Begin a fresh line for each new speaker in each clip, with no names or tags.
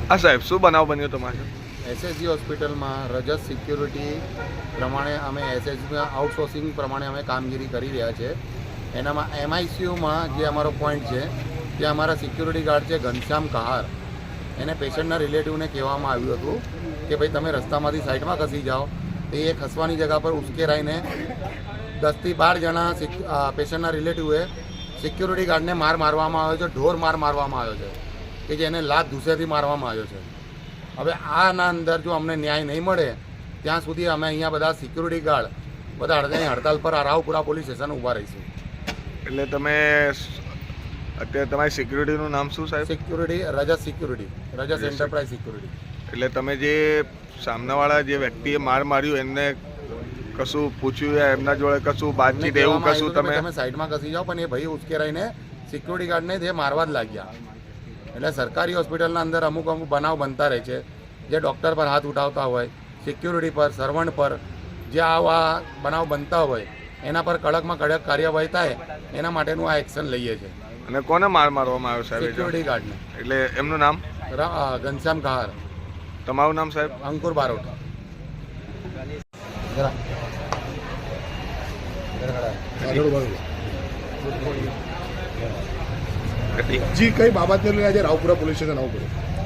હા સાહેબ, શું બનાવ બન્યો તમારે?
એસએસજી હોસ્પિટલમાં રજત સિક્યુરિટી પ્રમાણે અમે એસએસજીમાં આઉટસોર્સિંગ પ્રમાણે અમે કામગીરી કરી રહ્યા છે. એનામાં એમઆઈસીયુમાં જે અમારો પોઈન્ટ છે ત્યાં અમારા સિક્યુરિટી ગાર્ડ છે ઘનશ્યામ કહાર, એને પેશન્ટના રિલેટિવને કહેવામાં આવ્યું હતું કે ભાઈ તમે રસ્તામાંથી સાઈડમાં ખસી જાઓ. તો એ ખસવાની જગ્યા પર ઉશ્કેરાઈને 10 થી 12 જણા પેશન્ટના રિલેટિવે સિક્યુરિટી ગાર્ડને મારવામાં આવ્યો છે, ઢોર મારવામાં આવ્યો છે કે જેને લાત ધૂસેથી મારવામાં આવ્યો છે. હવે આના અંદર જો અમને ન્યાય નહીં મળે ત્યાં સુધી અમે અહીંયા બધા સિક્યુરિટી ગાર્ડ બધા હડતાલ પર રાવપુરા પોલીસ સ્ટેશન ઊભા રહીશું.
એટલે તમે અત્યારે તમારી સિક્યુરિટીનું નામ શું સાહેબ?
Security Rajat security, Rajat enterprise security.
એટલે તમે જે સામનાવાળા જે વ્યક્તિએ માર્યું એમને કશું પૂછ્યું, એમના જોડે કશું બાતચીત એવું કશું?
તમે સાઈડમાં ખસી જાઓ, પણ એ ભાઈ ઉશ્કેરાઈને સિક્યુરિટી ગાર્ડને તે મારવા જ લાગ્યા. એટલે સરકારી હોસ્પિટલના અંદર અમુક બનાવ બનતા રહે છે, જે ડૉક્ટર પર હાથ ઉઠાવતા હોય, સિક્યુરિટી પર, સર્વન્ટ પર, જે આવા બનાવ બનતા હોય એના પર કડકમાં કડક કાર્યવાહી થાય એના માટેનું આ એક્શન લઈએ છીએ.
અને કોને મારવામાં આવ્યો સાહેબ?
સિક્યુરિટી ગાર્ડને.
એટલે એમનું નામ?
ઘનશ્યામ કહાર.
તમારું નામ સાહેબ?
અંકુર બારોટ.
જી, કઈ બાબતને લઈને આજે રાવપુરા પોલીસ સ્ટેશન આવવું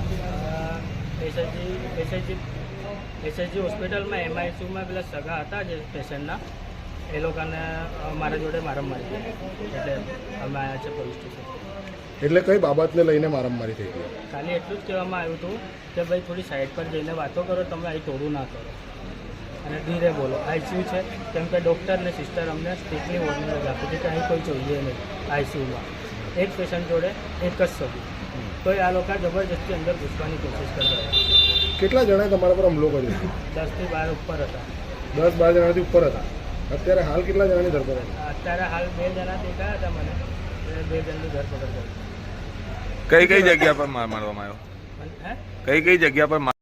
પડ્યું? એસએસજી હોસ્પિટલમાં એમઆઈસીયુમાં પેલા સગા હતા જે પેશન્ટના, એ લોકોને મારા જોડે મારામારી કરી, એટલે અમે આવ્યા છે પોલીસ સ્ટેશન.
એટલે કઈ બાબતને લઈને મારામારી થઈ ગઈ?
ખાલી એટલું જ કહેવામાં આવ્યું હતું કે ભાઈ થોડી સાઈડ પર જઈને વાતો કરો, તમે અહીં તોડું ના કરો અને ધીરે બોલો. આઈસીયુ છે, કેમ કે ડૉક્ટર ને સિસ્ટર અમને સ્ટ્રીટલી વોર્નિંગ જ આપી હતી કે અહીં કોઈ જોઈએ નહીં આઈસીયુમાં. એક પેશન્ટ જોડે એક જ સગું, તો આ લોકો જબરજસ્તી અંદર ઘૂસવાની કોશિશ કરતા હતા.
કેટલા જણાએ તમારા પર હુમલો કર્યો?
10 થી 12 ઉપર હતા.
10-12 જણાથી ઉપર હતા. અત્યારે હાલ કેટલા જણાની ધરપકડ?
અત્યારે હાલ 2 જણા દેખાયા હતા મને, 2 જણની ધરપકડ કરી.
કઈ જગ્યા પર મારવામાં આવ્યો? કઈ જગ્યા પર?